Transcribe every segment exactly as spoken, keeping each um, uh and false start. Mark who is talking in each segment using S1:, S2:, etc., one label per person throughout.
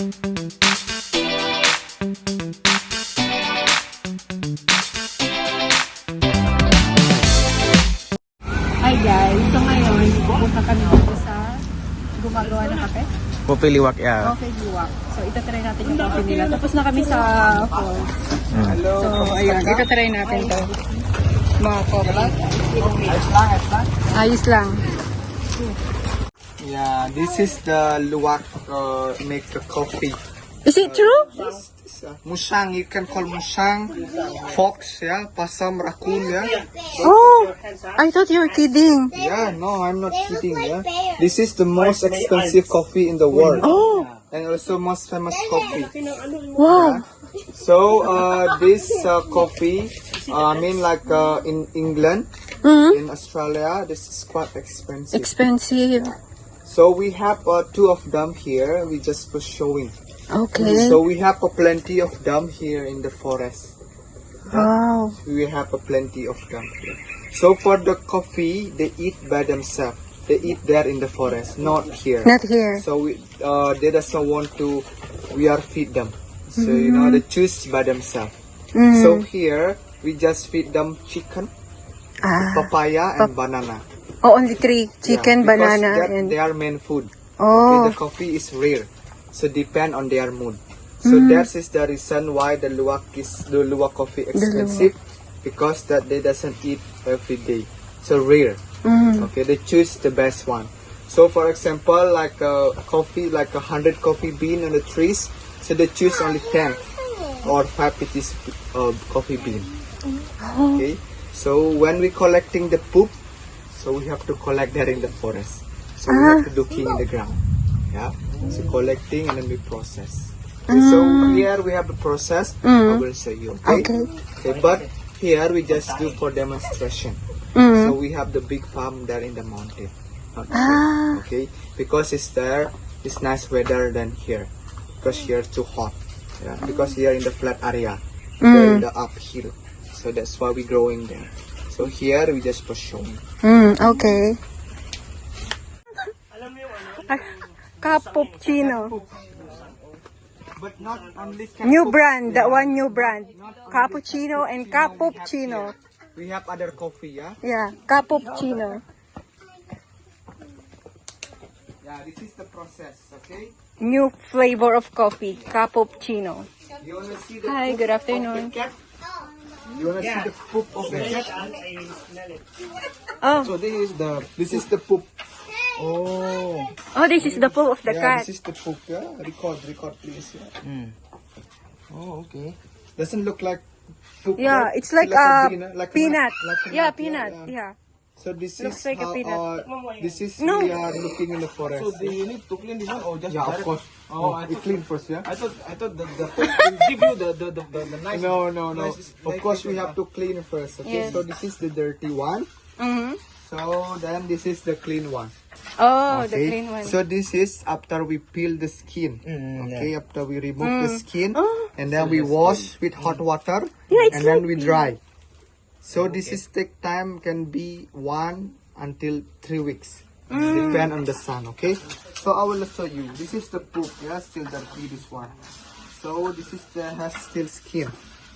S1: Hi guys, so ngayon pupunta kami dito sa gumagawa ng kape.
S2: Kopi liwak ya.
S1: Coffee Luwak. So itatry natin yung coffee nila. Tapos na kami sa falls.
S2: Hmm.
S1: So ayun, itatry natin to. Mga coffee. Ayos lang.
S3: Yeah, this is the luwak uh, make a coffee.
S1: Is it true?
S3: This, this, uh, musang, you can call musang, fox, yeah, pasam, raccoon, yeah.
S1: Oh, I thought you were kidding.
S3: Yeah, no, I'm not kidding, yeah. This is the most expensive coffee in the world.
S1: Oh,
S3: And also most famous coffee.
S1: wow.
S3: So, uh, this uh, coffee, uh, I mean like uh, in England,
S1: Mm-hmm.
S3: in Australia, this is quite expensive.
S1: Expensive.
S3: So we have uh, two of them here, we just for showing.
S1: Okay.
S3: So we have a plenty of them here in the forest.
S1: Wow.
S3: We have a plenty of them here. So for the coffee, they eat by themselves. They eat there in the forest, not here.
S1: Not here.
S3: So we, uh, they doesn't want to. We are feed them. So you know they choose by themselves.
S1: Mm.
S3: So here we just feed them chicken,
S1: Ah.
S3: papaya, and banana.
S1: Oh, only three. Chicken,
S3: Yeah, because
S1: banana,
S3: that-
S1: and...
S3: they are main food.
S1: Oh.
S3: Okay, the coffee is rare, so depend on their mood. So that is the reason why the luwak is the luwak coffee expensive, because that they doesn't eat every day. So rare.
S1: Mm.
S3: Okay, they choose the best one. So for example, like a coffee, like a hundred coffee bean on the trees, so they choose only ten or five pieces of coffee bean. Okay. So when we collecting the poop, so we have to collect that in the forest. So we have to looking in the ground. Yeah. So collecting and then we process. Okay, so here we have the process. I will show you. Okay?
S1: Okay.
S3: Okay. But here we just do for demonstration.
S1: Mm.
S3: So we have the big farm there in the mountain. Not here,
S1: Ah.
S3: okay. Because it's there, it's nice weather than here. Because here too hot. Yeah. Because here in the flat area, there in the uphill. So that's why we growing there. So here we just pursue.
S1: Mm, okay. Cappuccino.
S3: But not only
S1: New brand, that one new brand. Cappuccino and cappuccino.
S3: We have other coffee, yeah.
S1: Yeah, cappuccino.
S3: Yeah, this is the process, okay.
S1: New flavor of coffee, cappuccino.
S3: You wanna see the
S1: Hi,
S3: poop
S1: good
S3: of
S1: afternoon.
S3: the cat? You wanna see the poop of the cat?
S1: Oh,
S3: So this is the this is the poop. Oh.
S1: oh, this is the poop of the
S3: Yeah,
S1: cat.
S3: this is the poop. Yeah, record, record, please. Yeah.
S2: Oh, okay.
S3: Doesn't look like poop.
S1: Yeah,
S3: right?
S1: it's like a
S3: bean, uh, like a
S1: peanut.
S3: nut, like a
S1: Yeah,
S3: nut,
S1: peanut.
S3: yeah.
S1: Yeah.
S3: So this
S1: Looks
S3: is
S1: like a
S3: how,
S1: peanut.
S3: uh, this is
S1: No.
S3: we are looking in the forest.
S4: So do you need to clean this one or just
S3: Yeah, of
S4: direct?
S3: course.
S4: Oh,
S3: Oh,
S4: I
S3: we
S4: thought,
S3: clean first, yeah.
S4: I thought I thought the the food will give you the the the, the, the nice.
S3: No, no, no.
S4: nice-
S3: Of
S4: nice
S3: course, we
S4: taste,
S3: have to clean first. Okay,
S1: Yes.
S3: so this is the dirty one.
S1: Mm-hmm.
S3: So then this is the clean one.
S1: Oh, the
S3: Okay.
S1: clean one.
S3: So this is after we peel the skin. Okay, after we remove the skin,
S1: Oh.
S3: and then we wash with hot water,
S1: Yeah, it's
S3: and then we dry. So this is take time, can be one until three weeks. Depend on the sun. Okay. So I will show you. This is the poop. Yeah, still dirty, this one. So this is the has still skin.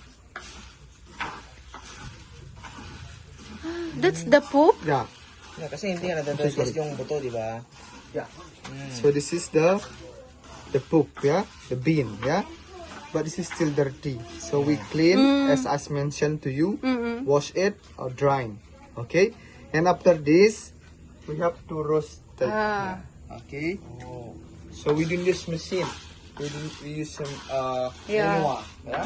S1: That's the poop?
S3: Yeah.
S2: Yeah, kasi hindi nga nadadasgas yung buto, di ba?
S3: Yeah. So this is the the poop, yeah, the bean, yeah. But this is still dirty. So we clean, as I mentioned to you, wash it or drying. Okay. And after this, we have to roast it.
S1: Ah.
S3: Okay. So we didn't use machine. We, didn't, we use some uh,
S1: Yeah.
S3: manual, yeah.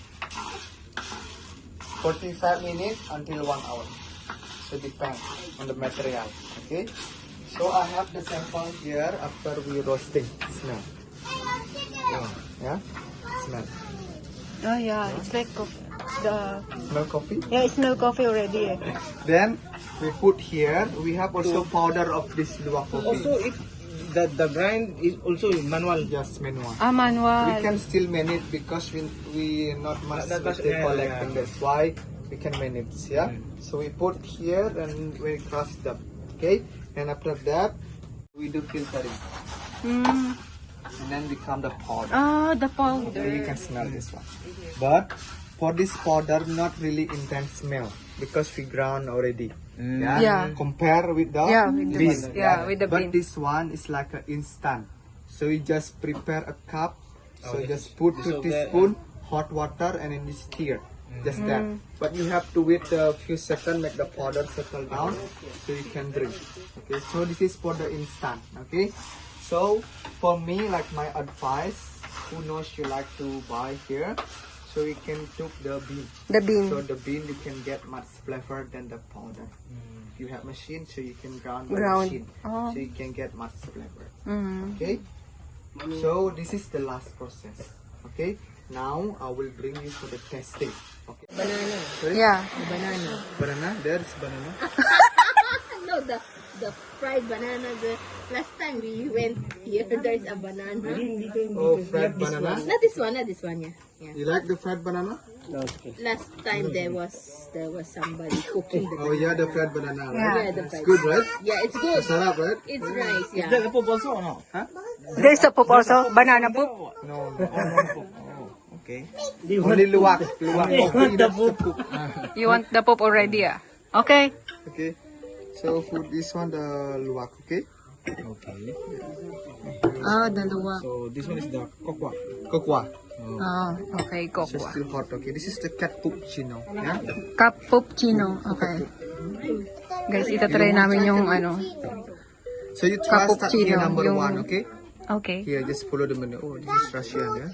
S3: forty-five minutes until one hour. So depend on the material. Okay. So I have the sample here after we roasting. Smell. Yeah. Yeah. Smell.
S1: Oh, yeah. It's like coffee. The...
S3: Smell coffee.
S1: Yeah, it smell coffee already. Eh.
S3: Then we put here. We have also powder of this luwak coffee.
S4: Also, it the the grind is also manual.
S3: Just manual.
S1: Ah, manual.
S3: We can still manage because we we not much
S4: That- that's-
S3: with the
S4: yeah,
S3: collecting.
S4: yeah.
S3: That's why we can manage. Yeah. So we put here and we crush them. Okay. And after that, we do filtering.
S1: Mm.
S3: and then become the powder.
S1: Ah, the
S3: Okay,
S1: powder.
S3: you can smell this one. But for this powder, not really intense smell because we ground already. Yeah.
S1: Yeah.
S3: Compare with the
S1: Yeah, with the-
S3: bean.
S1: yeah, with the
S3: but
S1: bean.
S3: this one is like an instant. So you just prepare a cup. So just put two teaspoon hot water and then you stir. Just that.
S1: Mm.
S3: But you have to wait a few seconds, make the powder settle down, so you can drink. Okay. So this is for the instant. Okay. So for me, like my advice, who knows you like to buy here, so you can took the bean.
S1: The bean.
S3: So the bean you can get much flavor than the powder. You have machine, so you can ground the
S1: Ground.
S3: machine,
S1: Oh.
S3: so you can get much flavor.
S1: Mm.
S3: Okay. So this is the last process. Okay. Now I will bring you for the testing. Okay.
S5: Banana.
S3: Sorry?
S1: Yeah.
S5: The banana.
S3: Banana. There's banana.
S5: No, the the fried banana. The last time we went here, there's a banana.
S3: Oh, fried banana.
S5: Not this one, not this one, yeah. Yeah.
S3: You like the fried banana?
S5: Last time there was there was somebody cooking the
S3: Oh yeah, the fried banana. Right?
S1: Yeah.
S5: yeah, the
S3: It's
S5: fried.
S3: good, right?
S5: Yeah, it's good.
S3: Sarap, right?
S5: It's nice, yeah.
S4: The poop also or no?
S3: Huh?
S1: There's a poop also. Banana poop.
S3: No, no, no. Oh, okay. Only luwak. Luwak. Okay, that's the cook.
S1: You want the poop already, ah? Okay.
S3: Okay. So for this one, the luwak. Okay.
S4: Okay.
S1: Ah, dalawa.
S4: So this one is the kokwa.
S3: Kokwa.
S1: Ah, okay.
S3: So
S1: Kokwa.
S3: still hot. Okay. This is the cappuccino. Yeah.
S1: Cappuccino. Okay. Guys, itatry namin yung ano.
S3: So you try start here
S1: Cappuccino,
S3: number
S1: yung-
S3: one. Okay.
S1: Okay.
S3: Here, just follow the menu. Oh, this is Russian. Yeah.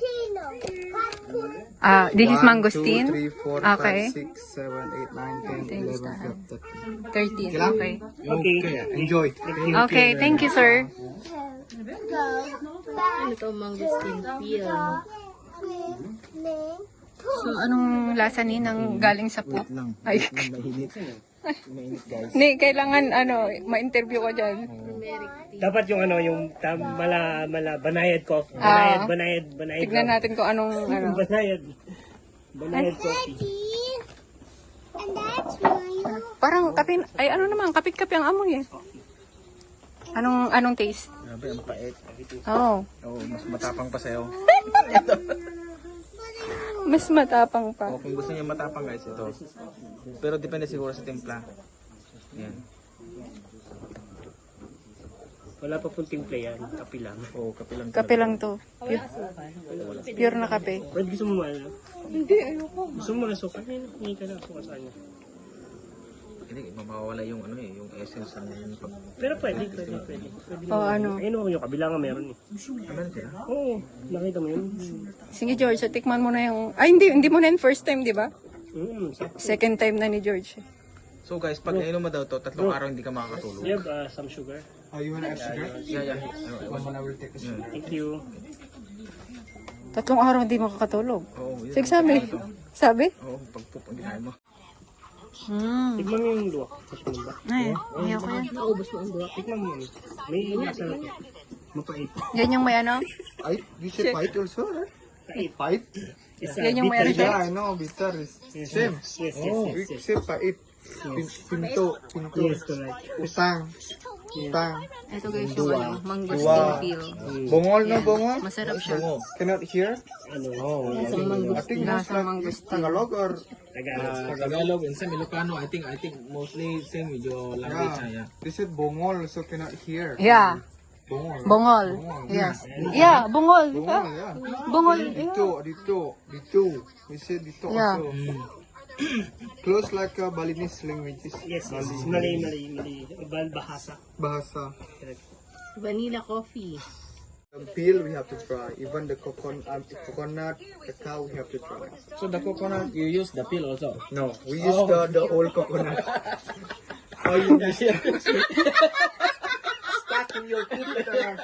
S1: Ah, this is
S3: One,
S1: mangosteen.
S3: two, three, four,
S1: Okay.
S3: five, six, seven, eight, nine, ten,
S1: Thanks,
S3: eleven,
S1: Dad.
S3: twelve, thirteen.
S1: thirteen.
S3: lang?
S1: Okay.
S3: Okay. Enjoy.
S1: Okay, thank you, sir.
S5: Ano to, mangosteen peel.
S1: So, anong lasa ni nang galing sa poop? Ay,
S4: Mainit. Mainit guys.
S1: ni, kailangan, ano, ma-interview ko dyan.
S6: Dapat yung ano, yung tam, mala, mala, banayad coffee.
S1: Ah.
S6: Banayad, banayad, banayad.
S1: Tignan natin kung anong, ano.
S6: Banayad. Banayad coffee.
S1: Parang kapin, ay ano naman, kapit-kapi ang amoy eh. Anong, anong taste?
S2: Grabe, ang pait.
S1: Oh,
S2: Oo, mas matapang pa sa'yo.
S1: mas matapang pa.
S2: O, kung gusto niya matapang guys, ito. Pero depende siguro sa timpla. Yan.
S6: Wala pa pong timpla yan. Kapi lang.
S2: Oo, kape lang.
S1: Kape lang to. Pure, pure na kape.
S6: Pwede gusto mo ano? Hindi, ayoko. Gusto mo na suka? Hindi ka na suka sa kanya.
S2: Hindi, mawawala yung ano eh, yung essence ng pag...
S6: Pero pwede, pwede, pwede. pwede
S1: O ano.
S6: Ayun o, yung kabila nga meron eh.
S2: Ano na sila?
S6: Oo, nakita mo yun?
S1: Sige George, so tikman mo na yung, ay hindi, hindi mo na yung first time, di ba?
S6: Mm, sa-
S1: Second time na ni George.
S2: So guys, pag nainom mo daw to, tatlong araw hindi ka makakatulog.
S6: you have uh, some sugar?
S3: Oh, you want to add sugar?
S2: Yeah, yeah.
S3: One more, I will take the sugar.
S6: Thank you.
S1: Tatlong araw hindi makakatulog.
S2: Oo, yun.
S1: Sige, sabi. Sabi?
S2: Oo, pag poop ang ginahin mo.
S1: Hmm.
S6: Tikman mo yung luwak. Gusto mo ba?
S1: Ay, ayaw ko yan.
S5: Naubos mo ang duwa.
S6: Tikman mo yun. May nasa mapait.
S1: Yan yung may ano?
S3: I, you should fight also, right? Fight?
S6: Isa,
S1: Yan yung may ano siya?
S3: Yeah, I know, bitter is same.
S6: Yes, yes,
S3: Oh,
S6: yes,
S3: we
S6: yes.
S3: say pait. Pin- Pinto, pinto.
S6: Yes, correct.
S3: Utang. Utang.
S1: Ito guys yung ano, mangosteen
S3: Dua.
S1: peel.
S3: Bongol no bongol?
S1: Masarap siya.
S3: Cannot hear?
S6: Ano?
S3: Oh, I think most
S1: Lasang
S3: like
S1: mangosteen.
S3: Tagalog or
S6: Tagalog.
S2: Uh, Tagalog and some Ilocano, I think, I think mostly same with your language na,
S3: yeah.
S2: yeah.
S3: They said bongol, so cannot hear.
S1: Yeah.
S3: Bongol.
S1: Bongol. Yes. Yeah, bungol.
S3: Bongol,
S1: Ah,
S3: yeah.
S1: Bungol.
S3: Dito, dito, dito. We said dito
S1: Yeah.
S3: also. Close like uh, Balinese languages.
S6: Yes, yes. Mali, mali, mali. Bal bahasa.
S3: Bahasa.
S5: Vanilla coffee.
S3: The peel we have to try. Even the coconut, um, coconut, cacao we have to try.
S2: So the coconut, you use the peel also?
S3: No, we use the the old coconut. Oh, you use it. Stuck in your teeth.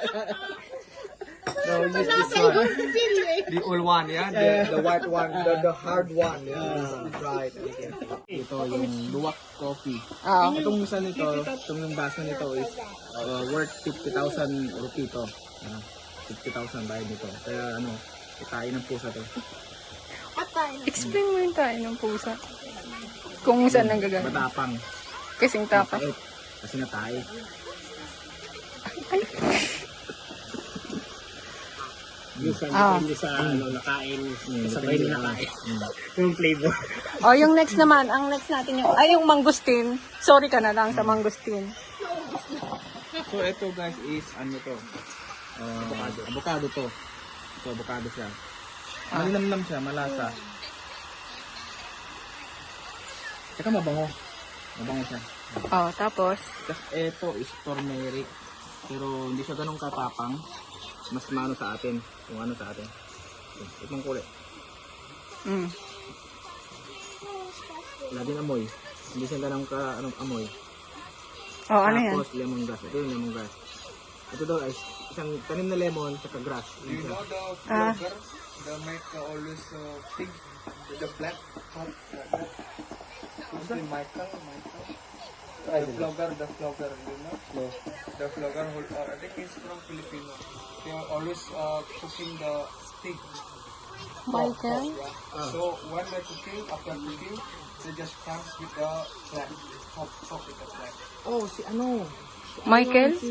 S3: No, we use this one. The old one, yeah. The, the white one, the, the hard one. Yeah, we tried.
S2: Ito yung luwak coffee.
S1: Ah.
S2: Itong isa nito, itong yung baso nito is uh, worth fifty thousand rupee to. Uh, fifty thousand bayad nito. Kaya ano, itain ng pusa to.
S1: Explain mo yung tayo ng pusa. Kung saan nang gagawin.
S2: Matapang.
S1: Kasing tapat.
S2: Mapait. Kasi natay.
S6: Minsan
S1: Ah.
S6: depende sa ano, nakain. Sabay na nakain. Yung flavor.
S1: O, yung next naman, ang next natin yung, ay, yung mangustin. Sorry ka na lang sa mangustin.
S2: So ito guys is ano to? Uh, avocado. Avocado to. Ito avocado siya. Malinamnam siya, malasa. Tsaka mabango. Mabango siya.
S1: Oh, tapos,
S2: Tapos ito is turmeric. Pero hindi siya ganun katapang. Mas mano sa atin. Kung ano sa atin. Itong kulay.
S1: mm.
S2: Wala din amoy. Hindi siya ganun ka anong amoy.
S1: Oh, ano yan?
S2: Tapos lemongrass. Ito yung lemongrass. Ito daw is isang tanim na lemon tsaka grass. Yun siya.
S1: Ah,
S3: The make uh, always uh, pig with the black top. Who's the Michael? Michael? The vlogger, the vlogger, you know? No. The vlogger, who, uh, I think he's from Filipino. They are always uh, cooking the pig.
S1: Michael?
S3: So when they're cooking, after cooking, they just comes with the black top, top with the black.
S2: Oh, si ano?
S1: Michael?
S2: Si...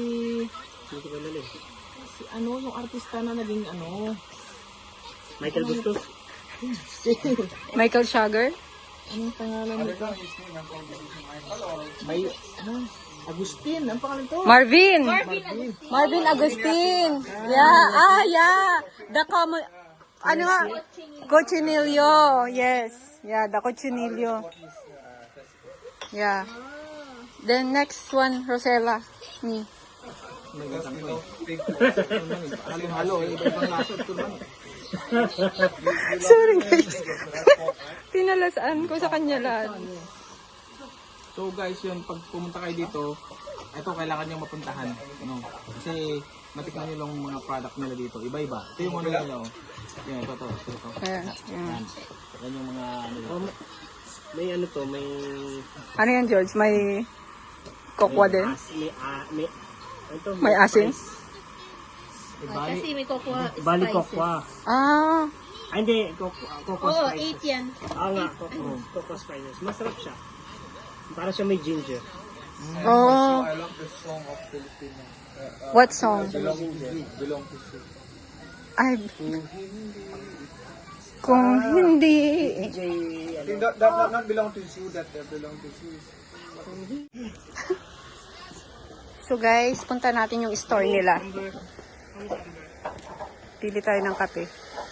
S2: Si ano, yung artista na naging ano?
S6: Michael Bustos.
S1: Michael Sugar?
S2: Anong pangalan nito? May... Ano? Agustin. Ang pangalan to?
S1: Marvin! Marvin Agustin! Yeah, ah, yeah! The common... Ano nga? Cochinillo. Yes. Yeah, the cochinillo. Yeah. Then next one, Rosella. Me.
S2: May gatang ko eh. Halo-halo eh. Iba-ibang lasa. Ito naman.
S1: Sorry guys. Pinalasaan ko sa kanya lahat.
S2: So guys, yun, pag pumunta kayo dito, ito kailangan nyo mapuntahan. Ano? Kasi matikman nyo lang mga product nila dito. Iba-iba. Ito yung ano nila. Oh. Yan, ito, ito, ito. ito.
S1: Ayan.
S2: Yan. Yan yung mga ano nila.
S6: May ano to, may...
S1: Ano yan, George? May kokwa din?
S6: As, may, ah, may, ito,
S1: May asin?
S6: spice.
S5: Oh, kasi may cocoa
S6: Bali
S5: spices.
S6: cocoa.
S1: Ah.
S6: Ah, hindi. Cocoa, cocoa
S5: Oo,
S6: spices.
S5: eight yan.
S6: Ah nga, cocoa, cocoa spices. Masarap siya. Para siya may ginger.
S1: Oh.
S3: I love the song of Filipino.
S1: What song?
S3: Belong to you. Belong to you.
S1: Ay. Kung hindi.
S3: I think that, that not, not belong to you, that uh, belong to you.
S1: So guys, punta natin yung store nila. Pili tayo ng kape.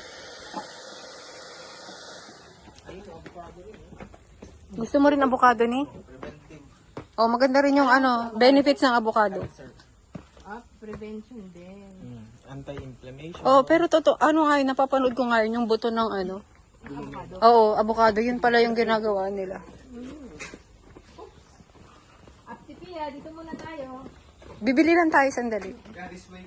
S1: Gusto mo rin avocado ni? Oh, maganda rin yung ano, benefits ng avocado.
S5: Ah, prevention din.
S2: Anti-inflammation.
S1: Oh, pero totoo, ano nga yun, napapanood ko nga yun, yung buto ng ano. Oo, avocado, yun pala yung ginagawa nila.
S5: Ate Pia, dito muna tayo.
S1: Bibili lang tayo sandali.
S3: Yeah, this way.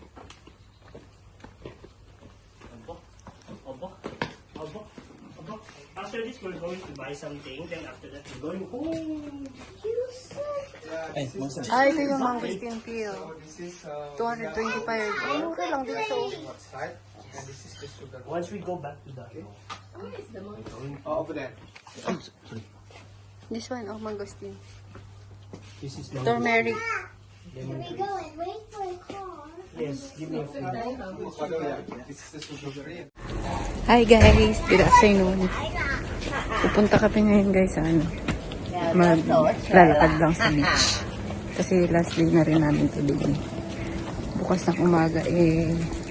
S6: Obo. Obo. Obo. After this, we're going to buy something. Then after that, we're going home.
S2: Ay, masa.
S1: Ay, ito yung mangosteen peel.
S3: So this is uh,
S1: two twenty-five. Ay, mura lang dito.
S3: outside, and this is the sugar.
S6: Once we go back to the
S3: Oh, over there.
S1: This one, oh, mangosteen.
S6: this is the
S1: Turmeric.
S6: yes, give me a few.
S3: Oh, yeah. This is the sugar.
S1: Hi guys, good afternoon. Pupunta kami ngayon guys sa ano. Maglalakad lang sa beach. Kasi last day na rin namin to doon. Bukas ng umaga eh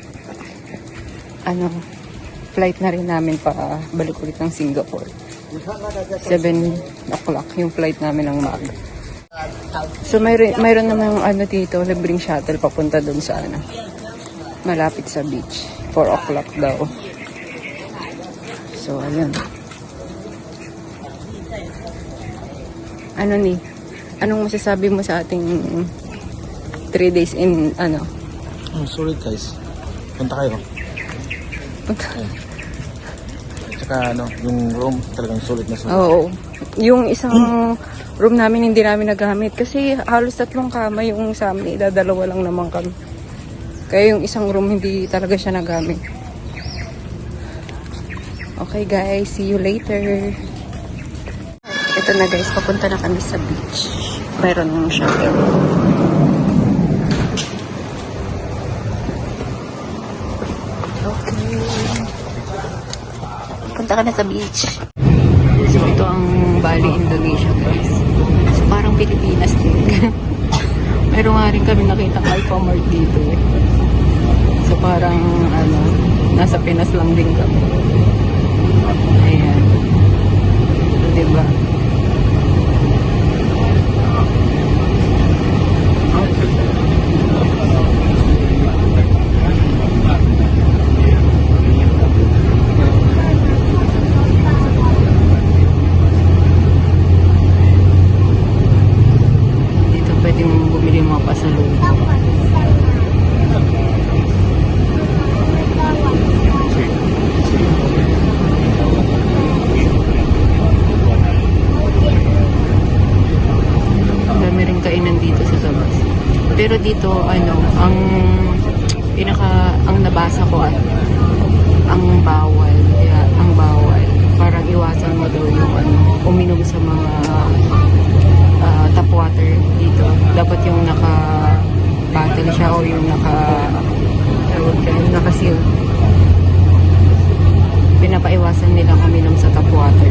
S1: ano, flight na rin namin pa balik ulit ng Singapore. seven o'clock yung flight namin ng maaga. So mayroon, mayroon naman ano dito, libreng shuttle papunta doon sa ano, malapit sa beach. four o'clock daw. So ayun. Ano ni? Anong masasabi mo sa ating three days in ano?
S2: Oh, solid guys. Punta kayo. Tsaka ano, yung room talagang solid na solid.
S1: Oo. Yung isang room namin hindi namin nagamit kasi halos tatlong kama yung sa amin, idadalawa lang naman kami. Kaya yung isang room hindi talaga siya nagamit. Okay guys, see you later. Ito na guys, papunta na kami sa beach. Mayroon ng shuttle. Okay. Punta ka na sa beach. So, ito ang Bali, Indonesia, guys. So, parang Pilipinas din. Meron nga rin kami nakita Alphamart dito eh. So, parang, ano, nasa Pinas lang din kami. Ayan. So, diba? Dito pwede mong bumili mga pasalubong. Ang dami rin kainan dito sa labas. Pero dito, ano, ang pinaka, ang nabasa ko at ang bawal, kaya ang bawal, parang iwasan mo daw yung ano, uminom sa mga ah, tap water dito. Dapat yung naka-bottle siya o yung naka, tawag ka, yung naka-seal. Pinapaiwasan nilang uminom sa tap water.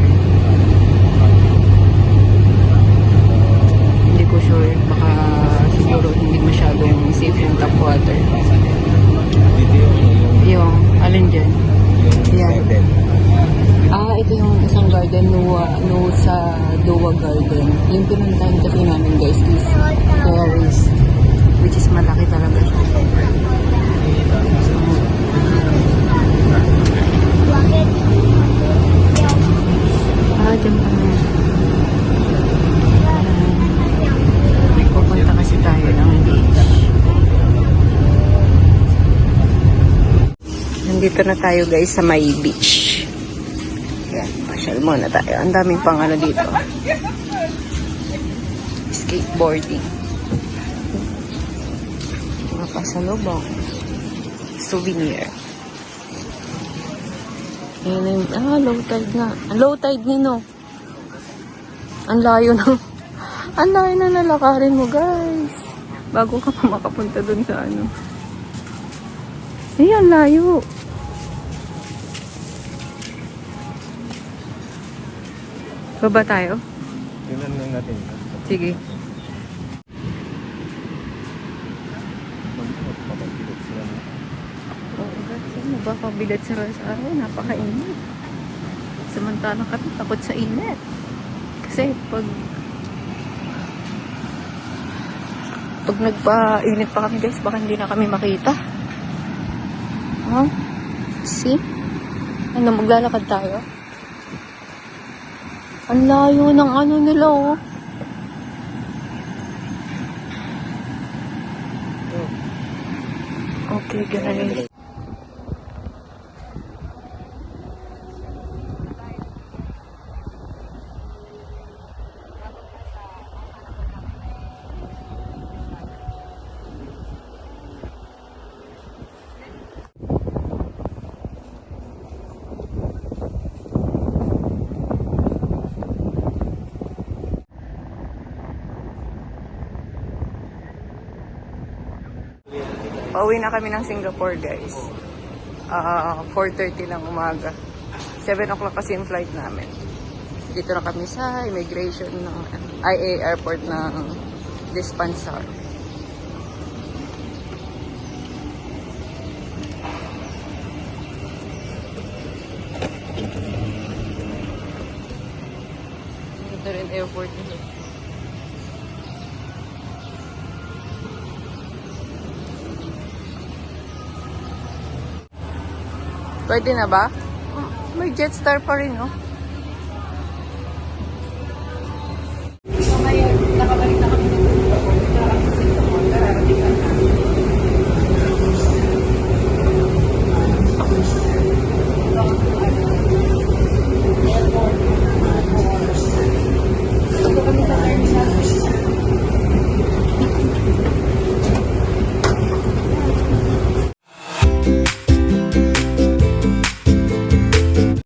S1: Hindi ko sure, baka siguro hindi masyadong safe yung tap water.
S4: Dito yung,
S1: Yung, alin dyan?
S4: yung
S1: Yan.
S4: garden.
S1: Ah, ito yung isang garden, Nuwa, no, sa Dua Garden. Yung pinuntahan kasi namin, guys, is Paris, which is malaki talaga siya. Ah, dyan pa na. Pupunta kasi tayo ng beach. Nandito na tayo, guys, sa may beach. Yan, pasyal muna tayo. Ang daming pang ano dito. Skateboarding. Mga pasalubong. Souvenir. Ayan na yung, ah, low tide nga. Ang low tide nino. Ang layo na. Ang layo na nalakarin mo, guys. Bago ka pa makapunta dun sa ano. Ayan, layo. Baba tayo?
S4: Tingnan lang natin.
S1: Sige.
S4: Magpapagpilot sila.
S1: Oo, guys. Ano ba? Pabilat sa araw. Napakainit. Samantalang kami takot sa init. Kasi pag pag nagpa-init pa kami, guys, baka hindi na kami makita. Huh? See? Ano, maglalakad tayo? Ang layo ng ano nila, oh. Okay, guys. Pauwi na kami ng Singapore, guys. Uh, four thirty ng umaga. seven o'clock kasi yung flight namin. Dito na kami sa immigration ng I A airport ng Dispensar. Dito rin airport nito. Pwede na ba? May Jetstar pa rin, no?